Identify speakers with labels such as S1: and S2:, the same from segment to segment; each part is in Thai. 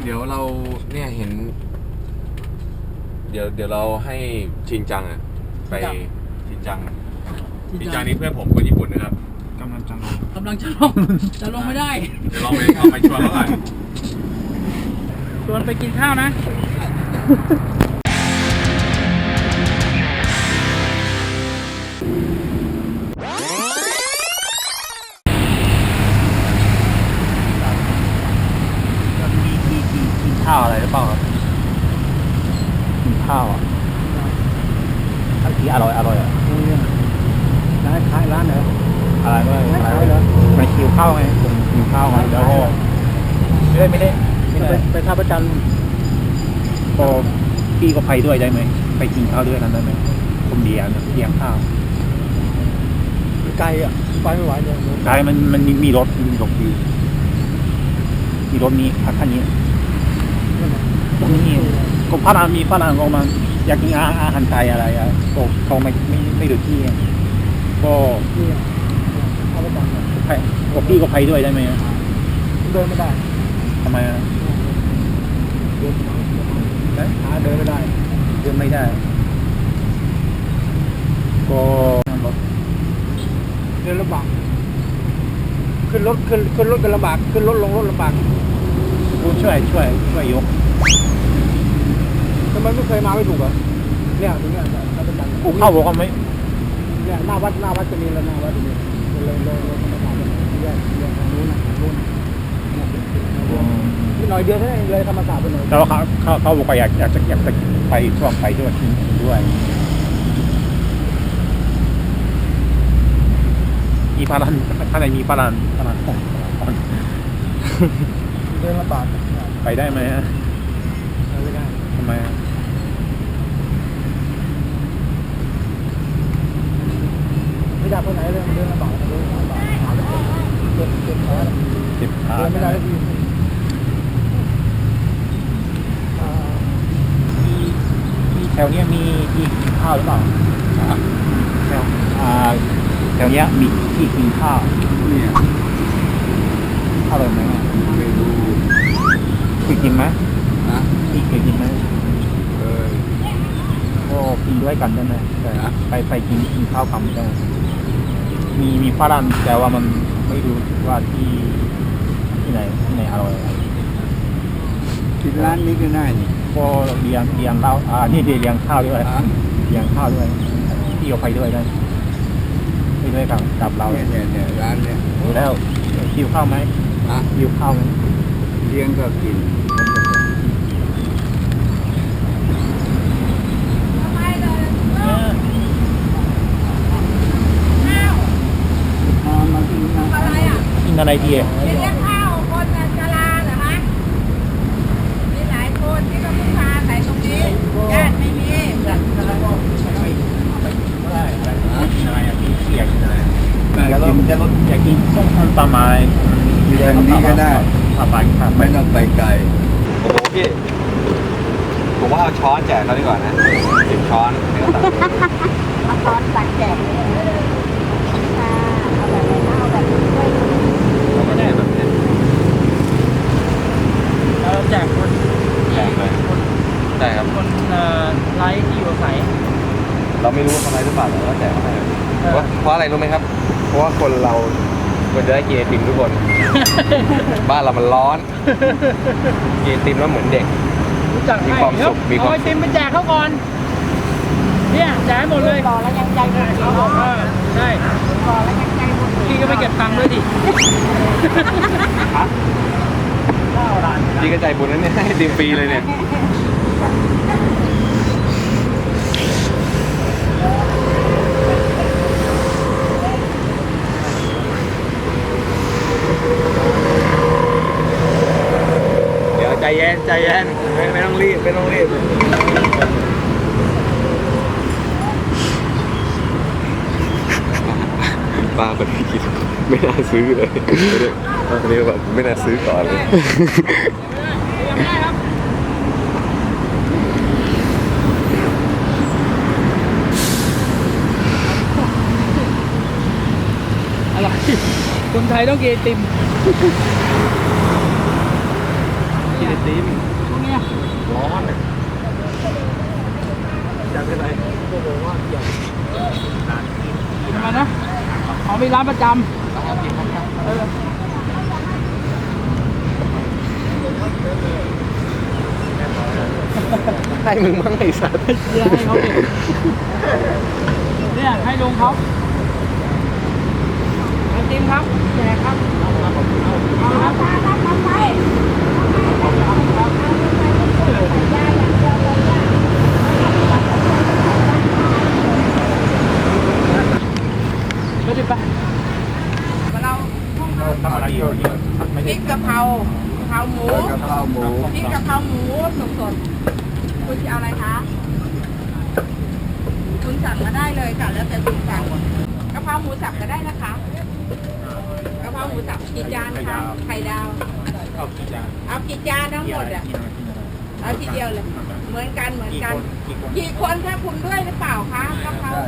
S1: เดี๋ยวเราเนี่ยเห็น เดี๋ยวเราให้ชินจังอ่ะไปชินจังนี่เพื่อนผมคนญี่ปุ่นนะครับกำลังจะลงไม่ได้เดี๋ยวลองไปเอาไปชวนเขาก่อน
S2: ชวนไปกินข้าวนะ
S3: กินข้าวอะไรหรือเปล่าครับกินข้าวอ่ะที่อร่อยอ่ะ
S2: ร้านขายร้านไหน
S3: อะไรก็
S2: ร้านขายเหรอ
S3: ไปคิวข้าวไงผมคิวข้าวไงแล้วก็ไม่ได้
S2: ไปท่าประจัน
S3: ก็พี่ก็ไปด้วยได้ไหมไปกินข้าวด้วยกันได้ไหมผมเลี้ยงข้าว
S2: ไกลอ่ะไปไม่ไหวเลย
S3: ไกลมันมีรถอยู่มีรถมีคันนี้ตรงนี้ก็ฝรั่งก็มาอยากกินอาหารไทยอะไรอ่ะก็เขาไม่ดูที่ก็
S2: ท่าประจัน
S3: ก็พี่ก็ไปด้วยได้ไหม
S2: เดินไม่ได้
S3: ทำไมอ่ะ
S2: เดินไม่ได้
S3: ก็
S2: เดินลำบากขึ้นรถกันลำบากขึ้นรถลงรถลำบาก
S3: คุณช่วยยก
S2: ทำไมไม่เคยมาไม่ถูกอ่ะเนี่ยตรงเนี้ยท่าประจัน
S3: เข้าบอกว่าไม่
S2: เนี่ยหน้าวัดจะมีแล้วหน้าวัดจะมีเลยธรรมศาสตร์แยกนู้นนี่หน่อยเดียวเท่านั้นเลยธรรมศาสตร์ไปหน่อย
S3: แล้วเขาบอกว่าอยากจะไปช่วงไปด้วยมีพลังข้างในมีพลัง
S2: เดินลำบาก
S3: ไปได้ไหมฮะ
S2: ไม่ได้
S3: ทำไม
S2: ไม่ได้ไปไหนเลยเดินลำบากหาไม่เจ็บขาเดินไม่ได้ที
S3: มีแถวนี้มีที่กินข้าวหรือเปล่าแถวนี้มีที่กินข้าว
S1: เนี่ย
S3: อร่อยไหม
S1: ไม่รู้
S3: เคยกินไหมพี่เคยกินไหมก็กินด้วยกันได้ไหมไปกินข้าวกันได้มีฝรั่งแต่ว่ามันไม่รู้ว่าที่ไหนอร่อย
S1: กินร้านนี้ก็ได้นี่
S3: ก็เลี้ยงเหล้านี่เลี้ยงข้าวด้วยพี่เอาไปด้วยได้ไปด้วยกับเรา
S1: เนี่ยร้านเนี่ย
S3: ดูแล้วคิวข้าวไหมคิวข้าวไหม
S1: เลี้ยงก็กิน
S3: กินอะไรดี
S4: เลี้ยงข้าวคนชราเหรอคะมีหลายคนที่ก็พึ่งพาใส่ตรงนี้ญาติไม่มี
S3: อะไรอ่ะพี่อยากกินอะไรอยากกินต้มตำปลาไม้
S1: อย่างนี้ก็ได้
S3: ไม่
S1: ต้องไปไกลโอ้โหพี่ผมว่าเอาช้อนแจกเขาดีกว่านะ10 ช้อนเดี๋ยวตัด
S4: เอาช้อนตักแจกเอาแบบ
S1: ไม่ได้แบบนี้
S2: เราแจกคน
S1: เลยได้ครับ
S2: คนไลฟ์ที่อยู่อาศัย
S1: เราไม่รู้ว่าเขาไลฟ์หรือเปล่าแต่ว่าแจกให้เพราะอะไรรู้ไหมครับเพราะว่าคนเราควรจะได้กินไอติมทุกคน บ้านเรามันร้อนกินไอติมแล้วเหมือนเด็กมีความสุข
S2: เอาไอติมไปแจกเขาก่อนเนี่ยแจกหมดเลย
S4: ต่อแล้วยังใจหมด
S2: ใช่
S4: ต่อแล้วยังใจหมด
S2: พี่ก็ไปเก็บตังค์ด้วยดิ
S1: พี่ก็ใจบุญนั้นเนี่ยให้ไอติมฟรีเลยเนี่ยใจเย็นไม่ต้องรีบป้าคนนี้กินไม่น่าซื้อเลยอันนี้แบบไม่น่าซื้อก่อนเลย
S2: อะไรคนไทยต้องกินไอติม
S1: ติม
S2: ตรงเนี้ย
S1: ร้อนอยากเป็นอะไร
S2: ทำไมนะเขามีร้านประจำ
S1: ให้มึงมั่งไอ้สัตว์
S2: เนี่ยให้เขาดิเนี่ยให้ลุงเขาไอติมครับแจกครับเอาครับไปดิไป
S4: เรา
S3: ทำอะไรอยู่
S4: พริกกะเพรากะเพราหมู
S1: กะเพราหมู
S4: พริกกะเพราหมูสดๆคุณจะเอาอะไรคะคุณสั่งมาได้เลยค่ะแล้วแต่คุณสั่งกะเพราหมูสับก็ได้นะคะกะเพราหมูสับกี่จานคะไข่ดาว
S3: เอากี่จาน
S4: เอากี่จานทั้งหมดอ่ะเอาทีเดียวเลย เหมือนกันกี่คนคะคุณด้วยหรือเปล่าคะกะเพรา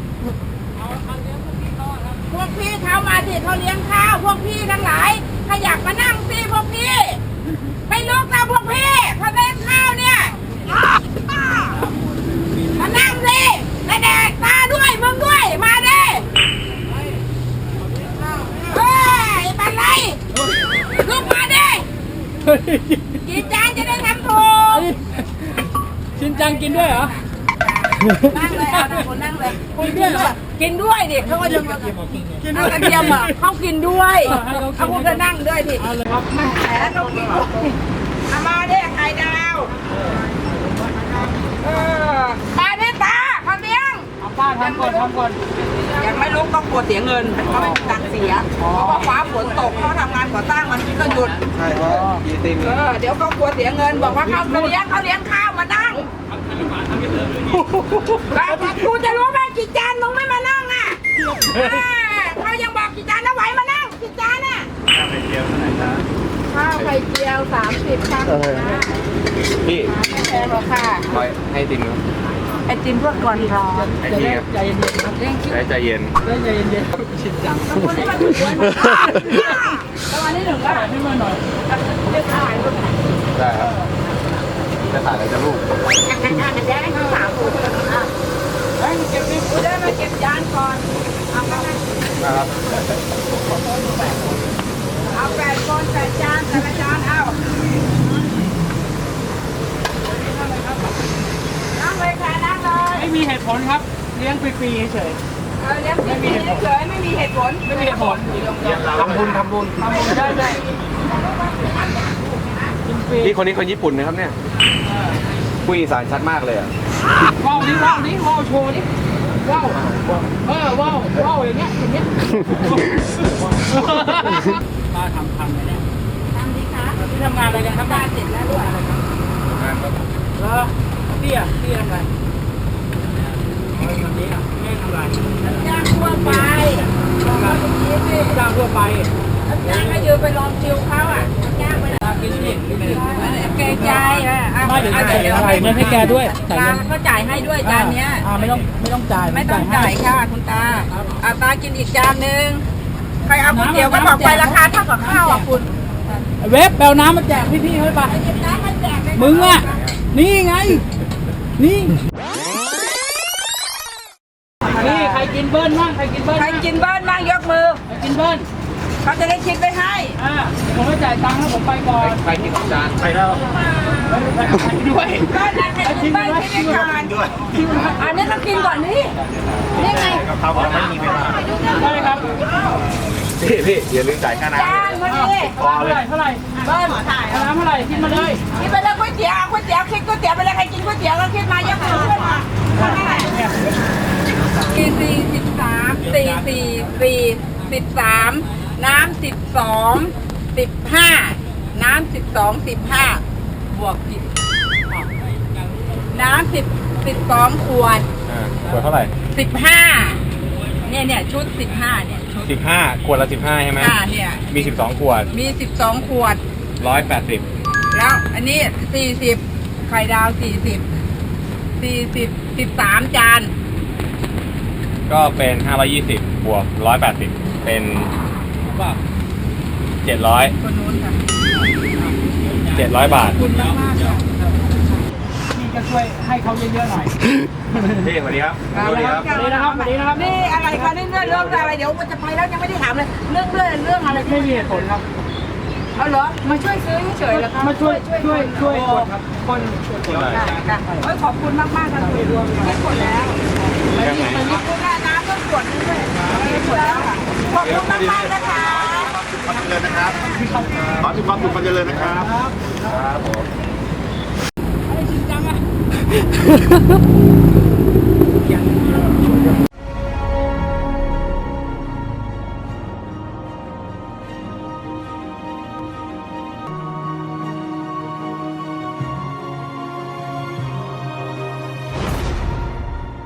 S4: พวกพี่เขามาดิเขาเลี้ยงข้าวพวกพี่ทั้งหลายถ้าอยากมานั่งสิพวกพี่ไม่ลุกนะพวกพี่เขาเลี้ยงข้าวเนี่ยมานั่งสิและแดกตาด้วยมึงด้วยมาดิเฮ้ยเป็นไรลุกมาดิกี่จานจะได้ทำถูก
S2: ชินจังกินด้วยเหรอ
S4: นั่งเลยเอานะคนนั่งเลยคุณกินด้วยกินด้วยดิเขาก็จะมากินด้วยกระเทียมอ่ะเขากินด้วยเขาพูดจะนั่งด้วยดิ
S2: เอาเลยครับ
S4: แหมต้องกินด้วยเอามาดิไข่ดาวมาดิตาเขาเลี้ยง
S2: เอาป้าทำก่อน
S4: ยังไม่ลุกต้องกลัวเสียเงินเขาไม่มีตังค์เสียเพราะว่าฟ้าฝนตกเขาทำงานก่อสร้างมันก็หยุด
S1: ใช่เพราะยีติม
S4: เดี๋ยวก็กลัวเสียเงินบอกว่าเขาเลี้ยงข้าวมานั่งกูจะรู้ไหมกี่จานมึงไม่มานั่งอ่ะเขายังบอกกี่จานนะไหวมานั่งกี่จานน่ะ
S1: ไข่เจียวเท่าไหร่จ๊ะ
S4: ข้าวไข่เจียว30ค่ะ
S1: พี่
S4: ไม่แพงหรอกค่ะ
S1: ไว้ให้ติมครับ
S4: ไอติมเพื่อก่อนร้อน
S1: ไอ้พี่ครับ
S2: ใจเย็นๆครับ
S4: เร่งคิด
S1: ใจเย็น
S2: ใจเย็นๆชินจัง
S4: คนที่มาถึงวันประมาณนี้หนึ่งก็
S2: ให้มาหน่อย
S4: เรียกถ่ายรูป
S1: ได้ครับจะถ่ายอะไรจะลูก
S4: แจ้งให้สาวคนเก็บกูได้มาเก็บจานก่อนเอาไป
S1: นะครับ
S4: เอา8 คน8 จานแต่ละจานเอานั่งเลยค่ะนั่งเลย
S2: ไม่มีเหตุผลครับเลี้ยงฟรีๆเฉย
S4: เลี้ยงไม่มีเฉยไม่มีเหตุผล
S2: ไม่มีเหตุผล
S1: ทำบุญ
S2: ทำบุญได้กินฟรี
S1: พี่คนนี้คนญี่ปุ่นนะครับเนี่ยคุยอีสานชัดมากเลยอ่ะ
S2: ว้าวนี่ว้าวนี่ว้าวโชว์นี่ว้าวว้าวอย่างเงี้ยป้าทำเลยเนี่ย
S4: ทำดีคะ
S2: ที่ทำงานอะไรกันครับ
S4: บ้านเสร็จแล้วด้วย
S2: แล้วพี่ทำอะไรวันนี้แม่ทำอะไร
S4: ย่างทั่วไปลองมาตรงนี้สิ
S2: จ้างทั่วไป
S4: ย่างก็ยืนไปลองคิวเขาอ่ะย่างไปเลย
S2: กินนี่กินนี่
S4: เกรงใจอ่ะ
S2: ไม่เดี๋ยวจ่ายอะไรเงินให้แกด้วยจ่ายเงิน
S4: เขาจ่ายให้ด้วยจานเนี้ย
S2: ไม่ต้องจ่าย
S4: ไม่ต้องจ่ายค่ะคุณตาตากินอีกจานนึงใครเอาก๋วยเตี๋ยวก็บอกไปราคาเท่ากับข้าวอ่ะคุณ
S2: เว็บแปลน้ำมาแจกพี่ๆเขาไป
S4: หยิบน้ำมาแจกเลย
S2: มึงอ่ะนี่ไงนี่ใครกินเบิ้ลบ้างใครกินเบิ้ล
S4: ใครกินเบิ้ลบ้างยกมือ
S2: ใครกินเบิ้ล
S4: เขาจะได้คิดไปให้
S2: ผมไม่จ่ายตังค์ให้ผมไปก่อน
S1: ไปกินจานไปแล้ว
S2: ด้วย
S4: เบิ้ลนะใครกินเบิ้ลคิดไปก่อนอันนี้ต้องกินก่อนนี่นี่ไง
S1: กับเขาบอกไม่มีเวลา
S2: ได้ครับ
S1: พี่อย่าลืมจ่ายค่าน้
S4: จานพอดี
S2: เท่าไหร่
S4: เบิ้ลถ่าย
S2: น้ำเท่าไหร่กินมาเลย
S4: คิดไปเลยก๋วยเตี๋ยวก๋วยเตี๋ยวคิดก๋วยเตี๋ยวไปเลยใครกินก๋วยเตี๋ยวก็คิดมายกมือขึ้นมา13น้ำ12บวกผิดน้ำ12ขวด
S1: ำขวดเท่าไหร่
S4: 15เนี่ยชุด15เนี่ยชุด
S1: 15ขวดละ15ใช่ไหม
S4: เนี่ย
S1: มี12ขวด
S4: มี12ขวด
S1: 180
S4: แล้วอันนี้40ไข่ดาว13จาน
S1: ก็เป็น520บวก180เป็น700
S4: คนนู้นค่ะ
S1: 700 บาท
S2: คุณมากมากค่ะพี่ก็ช่วยให้เขาเยอะๆหน่อย
S1: พี่สวัสดีครับ
S2: สวัสดีนะครับสวัสดีนะครับ
S4: นี่อะไรคะนี่เรื่องอะไรเดี๋ยวมันจะไปแล้วยังไม่ได้ถามเลยเรื่องอะไร
S2: ไม่มีเหตุผลครับ
S4: เอาเหรอมาช่วยซื้อเฉยๆเหรอคะ
S2: มาช่วยกดครับคน
S4: ค่ะขอบคุณมากๆค่ะคุณรวมไม่กดแล้วไม่มีคนนี้คุณน้ำต้องกดด้วยไม่กดแล้วค่ะขอบคุณมากๆนะคะ
S5: ความเจริญนะครับ ขอให้มีความสุขความเจริญนะครับ
S1: ครับผม
S2: จริงจังอะ